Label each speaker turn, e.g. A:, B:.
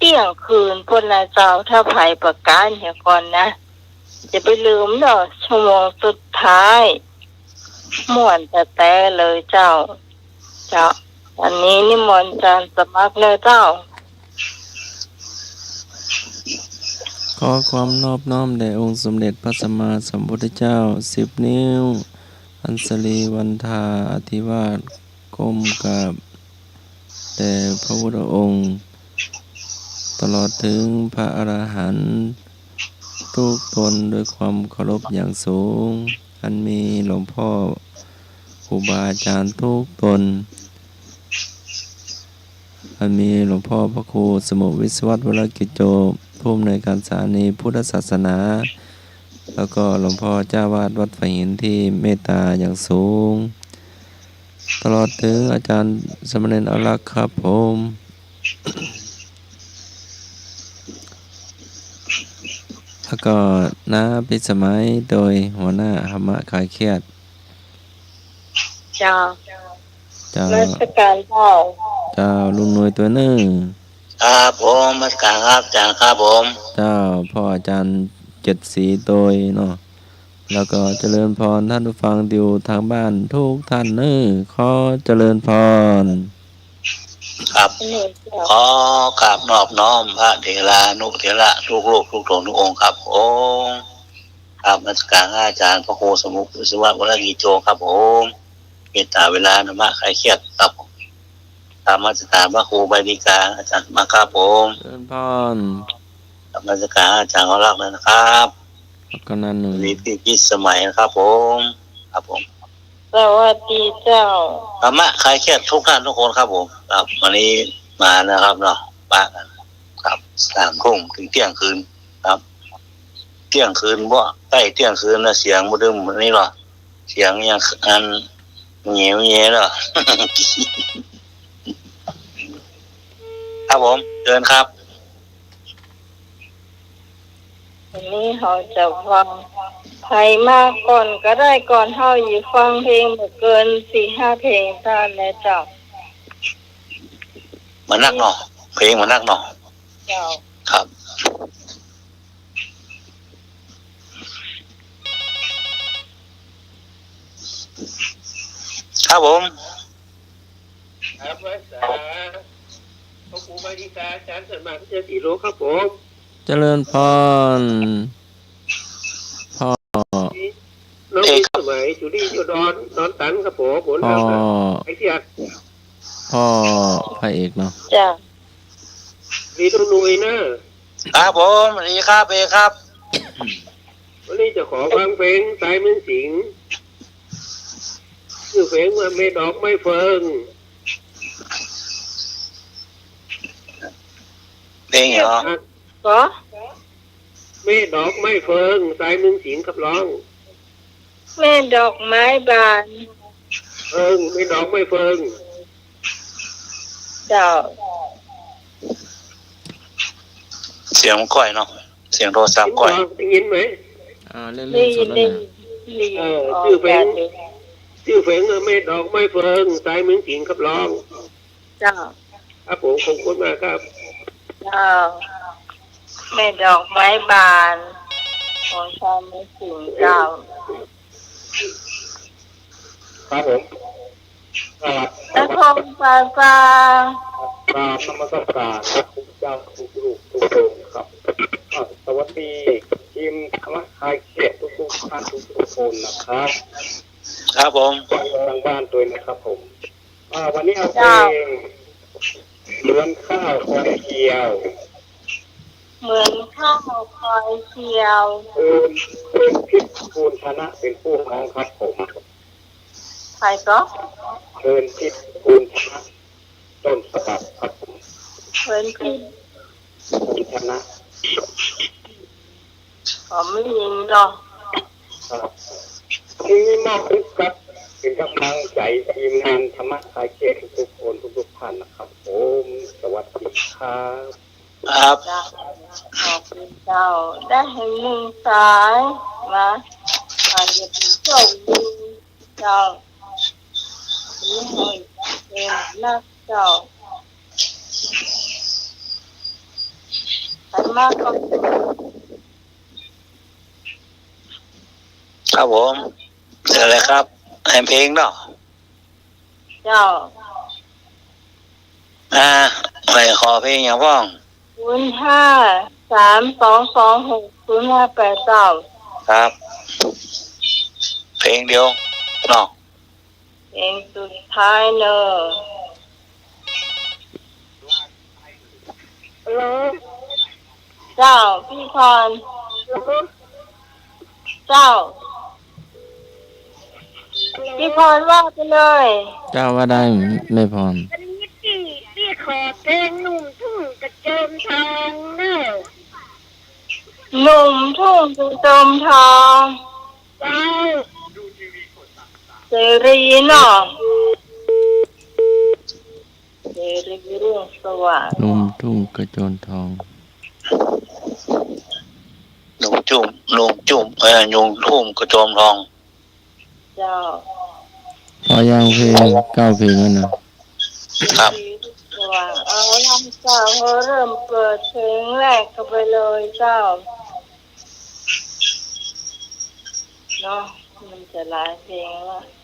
A: ที่ยงคืนพ้นนะเจ้าถ้าไผประกาศเหี่ยก่อนนะอย่าไปลืมเนาะชั่วโมงสุดท้ายม่วนแต่เลยเจ้าวันนี้นิมนต์อาจารย์สมัครเลยเจ้า
B: ขอความนอบน้อมแด่องค์สมเด็จพระสัมมาสัมพุทธเจ้า10 นิ้วอัญชลีวันทาอธิวาทก้มกราบแด่พระพุทธองค์ตลอดถึงพระอรหันต์ทุกตนด้วยความเคารพอย่างสูงอันมีหลวงพ่อครูบาอาจารย์ทุกตนอันมีหลวงพ่อพระครูสมุวิศวัตรวรกิจโจผู้อำนวยการสถานีพุทธศาสนาแล้วก็หลวงพ่อเจ้าวาดวัดฝายหินที่เมตตาอย่างสูงตลอดถึงอาจารย์สมณเณรอารักษ์ครับผมแล้วก็น้าพิสมัยโดยหัวหน้าธรรมะคลายเครียด
A: เจ้าราชการพ่อ
B: เจ้าลุงหน่วยตัวหนึ่ง
C: ครับผมมาสการครับอาจารย์ครับผม
B: เจ้าพ่ออาจารย์7 สีโดยเนาะแล้วก็เจริญพรท่านผู้ฟังอยู่ทางบ้านทุกท่านขอเจริญพร
C: ครับขอกราบนอบน้อมพระเถรานุเถระทุกโลกทุกโลกทุกองค์ครับผมครับมาสการอาจารย์พระครูสมุวิศวะวรกิจโจครับผมเมตตาเวลาธรรมะคลายเครียดครับตามมาสการพระครูใบดีกาอาจารย์มาครับผม
B: เจริญพร
C: ตามมาสการอาจารย์เขารักเลยนะครับ
B: ก็นั่นหนึ่ง
C: พี่สมัยนะครับผมครับผม
A: สวัสดีเจ้า
C: ธรรมะคลายเครียดทุกท่านทุกคนครับผมครับวันนี้มานะครับเนาะป้ากันครับ3 ทุ่มถึงเที่ยงคืนครับเที่ยงคืนบ่ใกล้เที่ยงคืนแล้วเสียงบ่ดึมนี่หรอเสียงยังอันเหนียวเงี้ยเหรอ ครับผมเดินครับ
A: วันนี้เขาจะฟังไทยมากก่อนก็ได้ก่อนเฮาอยู่ฟังเพลงบ่เกิน 4-5 เพลงท่านแล้วเจ้า
C: มานักเนาะเพลงมานักเนาะ
A: เจ้า
C: ครับครับผม
D: ครับภาษาพระครูบาดีกาอาจารย์สัมมาพิเศษสีโลครับผม
B: เจริญพรพ่อ
D: น้องสมัยจุลีจุดอนตันครับผมผลงานไอ้ที่
B: พ่อพระเอกเนาะ
A: จ้ะ
D: ดีตรงนุยนะครับ
C: ผมสวัสดีครับเอกครับ
D: วันนี้จะขอฟังเพลงสายเมืองสิงห์ชื่อเพลงว่าเมดอกไม้เฟิง
C: เพลงเหรอ
A: ก็
D: เมดอกไม้เฟิงสายเมืองสิงห์ครับร้อง
A: แม่ดอกไม้บาน
D: เมดอกไม้เฟิง
A: เจ้า
C: เสียงก้อยเนาะเสียงโทรศัพท์ก้อย
D: ได้ยินไหม
B: เล่นๆสดแล้วนะ
D: ชื่อเพลงเมดอกไม้เฟิงสายเมืองสิงห์ครับร้อง
A: เจ้า
D: ครับผมขอบคุณมากครับ
A: เจ้าแม่ดอกไม้บานของชาวเมืองสิงห์เจ้า
D: ครับผมครับ
A: นครปาซา
D: ครับนมัสการครับทุกเจ้าทุกลูกทุกคนครับสวัสดีทีมธรรมะคลายเครียดทุกท่านทุกคนนะครับ
C: ครับผม
D: ทางบ้านตัวนะครับผมวันนี้เอาเพลงเหมือนข้าวคอยเกี่ยว
A: เหมือนข้าวคอยเกี่ยว
D: คุณพิษภูลชนะเป็นผู้ร้องครับผม
A: ใครก็
D: เชิญพิษภูลชนะต้นฉบับครับผม
A: เชิญพิษ
D: ภูลชนะ
A: ผมไม่ยินหรอก
D: ที่มอบให้กับเป็นกำลังใจทีมงานธรรมะคลายเครียดทุกคนทุกท่านนะครับผมสวัสดีครับ
C: ครับ
A: ขอบคุณเจ้าได้เห็นหนึ่งสายมาอาจจะเป็นโชคดีเจ้านี่ให้เป็นนักเจ้ามากก็
C: ครับผมเจออะไรครับให้เพลงเนาะ
A: เจ้า
C: อะไรขอเพลงอย่างพ้อง
A: 0532260589เจ้า
C: ครับ เพลงเดียวเนาะ
A: เพลงสุดท้ายเนอะ
D: ฮัลโหล
A: เจ้าพี่พรเจ้าพี่พรว่าไปเลย
B: เจ้าว่าได้ไม่พร
E: วันนี้พี่ขอเพลงหนุ่มทุ่งกระโจมทองเนอะ
A: หนุ่มทุ่งจุจมทอง
E: เจ้า
A: เสรีเนาะเสรีรุ่งสว่าง
B: นุ่มทุ่งกระโจนทอง
C: หนุ่มจุ่มยุงทุ่มกระโจมทอง
A: เจ้า
B: พอยังเพลง9 เพลงแล้วนะครับ
A: สว่างเอาล่ะเจ้าเขาเริ่มเปิดเพลงแรกเข้าไปเลยเจ้าเนาะมันจะหลายเพลงละ